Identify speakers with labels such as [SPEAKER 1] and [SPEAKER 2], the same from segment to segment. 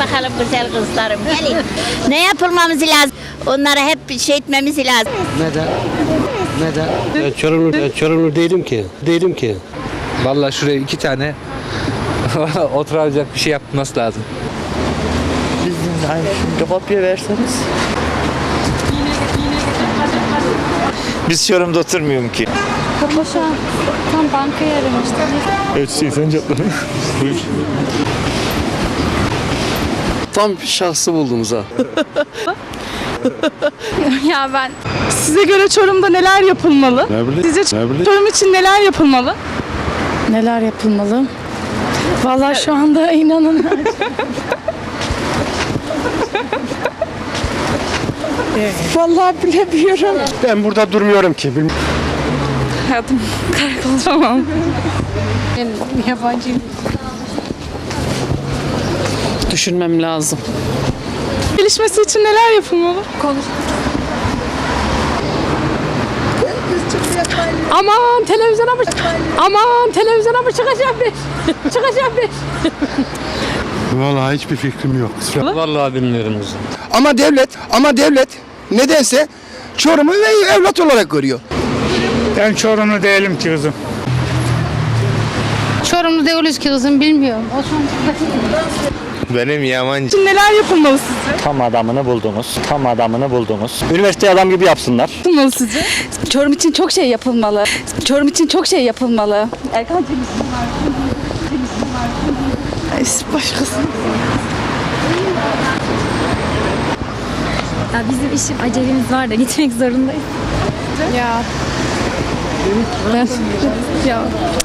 [SPEAKER 1] bakalım güzel kızlarım. Gelin. Ne yapılmamız lazım? Onlara hep şey etmemiz lazım.
[SPEAKER 2] Neden? Neden?
[SPEAKER 3] Ben Çorumlu değilim ki.
[SPEAKER 4] Vallahi şuraya 2 tane oturacak bir şey yapması lazım.
[SPEAKER 2] Bizim aynı şimdi kopya verseniz.
[SPEAKER 5] Biz Çorum'da oturmuyorum ki.
[SPEAKER 6] Kapı şu an tam bankaya aramıştım.
[SPEAKER 5] Evet, sen cevapladın. Buyur.
[SPEAKER 3] Tam şahsı buldunuz ha.
[SPEAKER 6] Ya ben
[SPEAKER 7] Size göre Çorum'da neler yapılmalı? Sizce Çorum için neler yapılmalı? Neler yapılmalı? Vallahi şu anda inanın. Vallahi bilemiyorum.
[SPEAKER 3] Ben burada durmuyorum ki.
[SPEAKER 7] Hayatım karakolamam. Ben yabancıyım.
[SPEAKER 8] Düşünmem lazım.
[SPEAKER 7] Gelişmesi için neler yapılmalı? Aman televizyona mı? Aman televizyona mı çıkacağım bir? Çıkacağım bir.
[SPEAKER 3] Vallahi hiçbir fikrim yok.
[SPEAKER 4] Vallahi bilmiyorum.
[SPEAKER 9] Ama devlet nedense Çorum'u ve evlat olarak görüyor.
[SPEAKER 3] Ben Çorumlu değilim ki kızım.
[SPEAKER 6] Çorumlu değiliz ki kızım bilmiyorum.
[SPEAKER 5] Benim Yamancı.
[SPEAKER 7] Şimdi neler yapılmalı sizce?
[SPEAKER 2] Tam adamını buldunuz. Tam adamını buldunuz. Üniversite adam gibi yapsınlar.
[SPEAKER 7] Yapılmalı sizce?
[SPEAKER 6] Çorum için çok şey yapılmalı. Çorum için çok şey yapılmalı. Erkancığım.
[SPEAKER 7] Başkası.
[SPEAKER 6] Ya bizim işim acelemiz var da gitmek zorundayız.
[SPEAKER 7] Ya. Ben ya.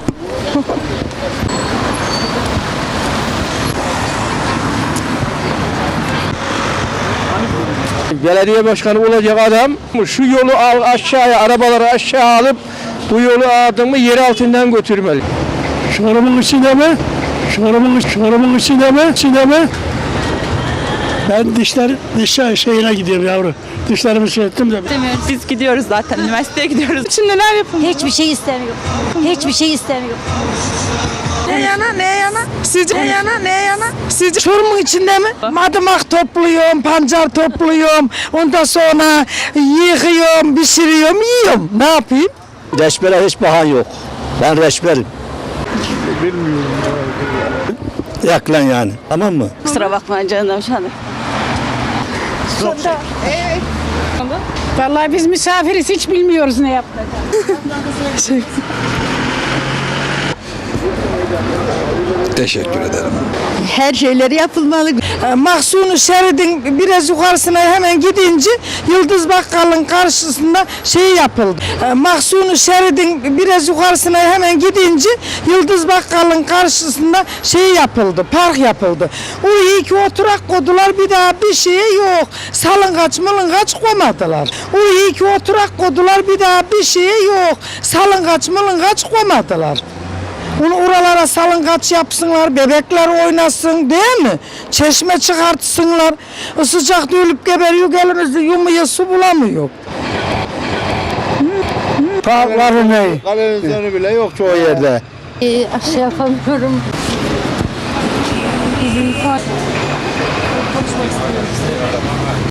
[SPEAKER 3] Belediye başkanı olacak adam şu yolu aşağıya, arabaları aşağı alıp bu yolu adamı yer altından götürmeli. Çorum'un içinde mi? Çorum'un içinde mi? Ben diş şeyine gidiyorum yavru. Dişlerimi şey ettim de.
[SPEAKER 7] Biz gidiyoruz zaten. Üniversiteye gidiyoruz. Şimdi neler yapılmalı?
[SPEAKER 1] Hiçbir şey istemiyorum. Hiçbir şey istemiyorum.
[SPEAKER 7] Ne yana? Sizce Çorum'un içinde mi? Madımak topluyorum, pancar topluyorum. Ondan sonra yıkıyorum, pişiriyorum, yiyorum. Ne yapayım?
[SPEAKER 2] Reçbere hiç bahan yok. Ben reçberim. Bilmiyorum. Yak lan yani. Tamam mı?
[SPEAKER 6] Kusura bakma canım şu anda.
[SPEAKER 7] Vallahi biz misafiriz, hiç bilmiyoruz ne yapacağız.
[SPEAKER 3] Teşekkür ederim.
[SPEAKER 7] Her şeyleri yapılmalı. Mahsuni Şerid'in biraz yukarısına hemen gidince Yıldız Bakkal'ın karşısında şey yapıldı. Mahsuni Şerid'in biraz yukarısına hemen gidince Yıldız Bakkal'ın karşısında şey yapıldı, park yapıldı. Oraya iki oturak koydular, bir daha bir şey yok. Salıngaç mılıngaç koymadılar. Oraya iki oturak koydular, bir daha bir şey yok. Salıngaç mılıngaç koymadılar. Bunu oralara salıngaç yapsınlar, bebekler oynasın değil mi? Çeşme çıkartsınlar. Sıcakta ölüp geberiyor, elimizde yumuyor, su bulamıyor.
[SPEAKER 2] Parkları ne? Televizyonu bile yok çoğu yerde.
[SPEAKER 6] Şey yapamıyorum.